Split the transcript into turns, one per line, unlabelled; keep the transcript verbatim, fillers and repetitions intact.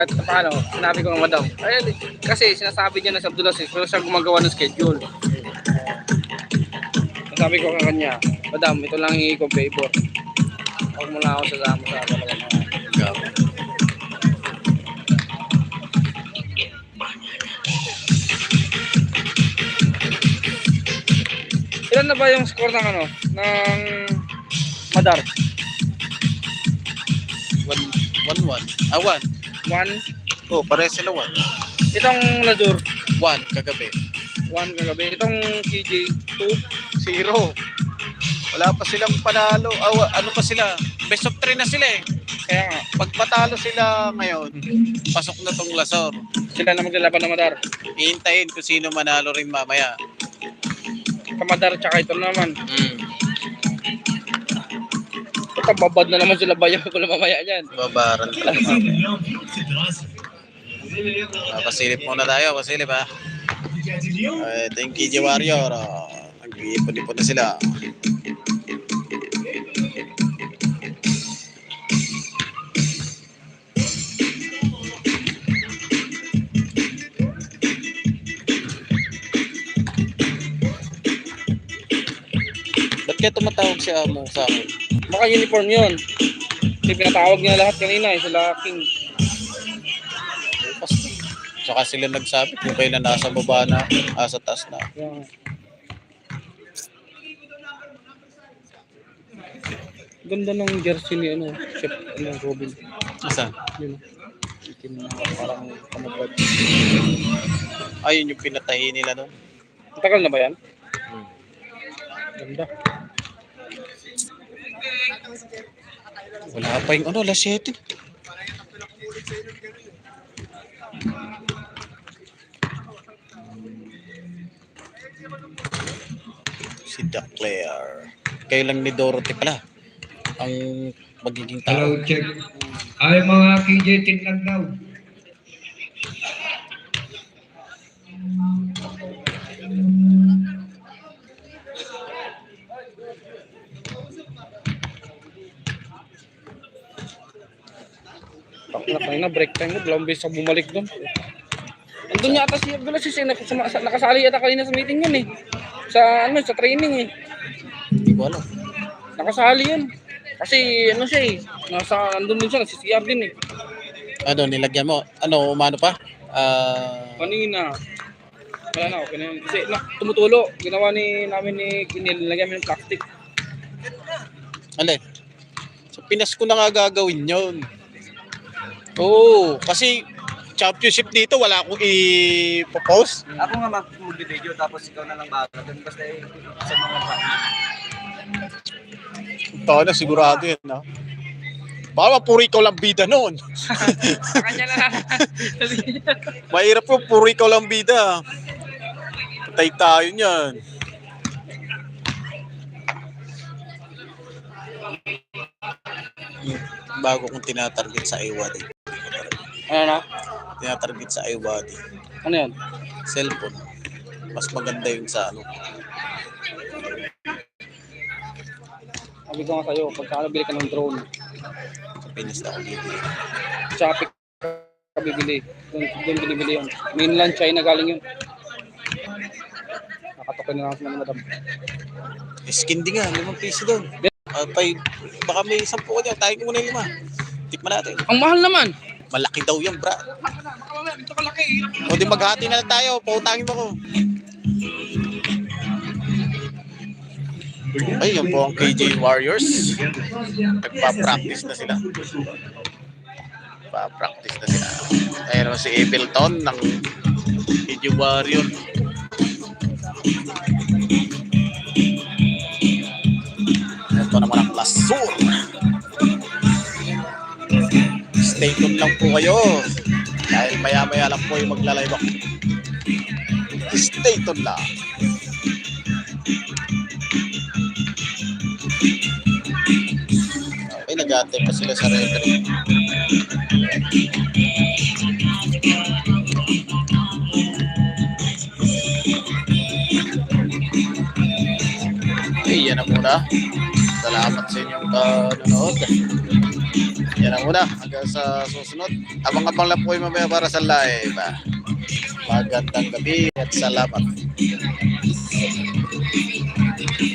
At paano, sinabi ko ng madam, ay, kasi sinasabi niya na sa Abdulaziz, pero siya gumagawa ng schedule. Sabi ko ka kanya, madam, ito lang hihingi ko favor. Huwag mo na ako sasama sa dalawa na. Ilan na ba yung score ng ano, ng Madar?
one one. Ah, one.
one?
Oh, pare sila one.
Itong Lazur?
one kagabi.
one kagabi. Itong K J, two?
zero. Wala pa silang panalo. Ah, ano pa sila? Best of three na sila eh.
Kaya nga.
Pag patalo sila ngayon, pasok na tong Lazur.
Sila na maglalaban ng Madar.
Ihintayin kung sino manalo rin mamaya.
Kamadar tsaka ito naman.
Mm.
Ito, babad na naman sila bayaw ko na mamaya dyan.
Babaran talaga. Ah, pasilip muna tayo, pasilip ha. Uh, ito yung K J Warrior. Oh, nag-iipon-ipon na sila. Ba't kaya tumatawag si Amo sa akin?
Baka uniform yun. Kasi pinatawag niya lahat kanina eh, sila King.
Saka sila nagsabi kung kayo na nasa baba na, asa taas na.
Yeah. Ganda ng jersey ni ano, Chef ano, Robin.
Asa?
Yun. Itim na parang kamagad.
Ayun yung pinatahi nila nun.
Tagal na ba yan?
Hmm.
Ganda.
Wala pa yung ano, alas siyete. Si Duclair. Kayo lang ni Dorothy pala ang magiging tao.
Hello, check. Ay, mga K J tinlag daw.
Takla kanina, break time mo, dalawang beses ako bumalik doon. Andun yata si Abdulaziz eh, nakasama- nakasali yata kanina sa meeting yun eh. Sa ano, sa training eh.
Hindi ko alam.
Nakasali yun. Kasi ano siya eh, nasa, andun din siya, nagsisiyar din eh.
Ano, nilagyan mo? Ano, umano pa? Ah...
Kanina, wala na, okay na yun. Kasi na, tumutulo, ginawa ni namin ni Kinil, nilagyan mo yung plastic.
alin? Sa Pinas ko na nga gagawin yun. Oo, kasi championship dito, wala akong i-post.
Ako nga mag-video tapos ikaw na lang bago. Doon basta eh, sa mga bata.
Ito na, sigurado yan, ha? Baka puro ikaw lang bida noon.
Sa kanya na lang.
Mahirap po, puro ikaw lang bida. Patay tayo niyan. Bago kong tinatarget sa iWadi.
Ano na?
Tinatarget sa iWadi.
Ano yan?
Cellphone. Mas maganda yung sa ano.
Sabi ko nga sa'yo, pagka bili ka ng drone,
Sa Pinas na ako bibili.
Shopee ka bibili. Doon, doon binibili yun. Mainland China galing yun. Nakatokin na lang sa mga madam.
Skin din nga, limang piso doon. Uh, pay, baka may sampu ko dyan. Tayo ko muna yung lima. Tikman natin.
Ang mahal naman!
Malaki daw yan, bra. O di maghati na lang tayo. Pautangin mo ko. Ay, yan po ang K J Warriors. Nagpa-practice na sila. Nagpa-practice na sila. Ayun si Ableton ng K J Warrior. Ito naman ang Lazur. Stay tuned lang po kayo. Dahil maya-maya lang po yung magla-live ako. Stay tuned lang. Okay, nag-aantay pa sila sa referee. Okay, yan na muna. Salamat sa inyong panonood. Yan ang una. Hanggang sa susunod. Abang-abang lang po yung mamaya para sa live. Magandang gabi at salamat.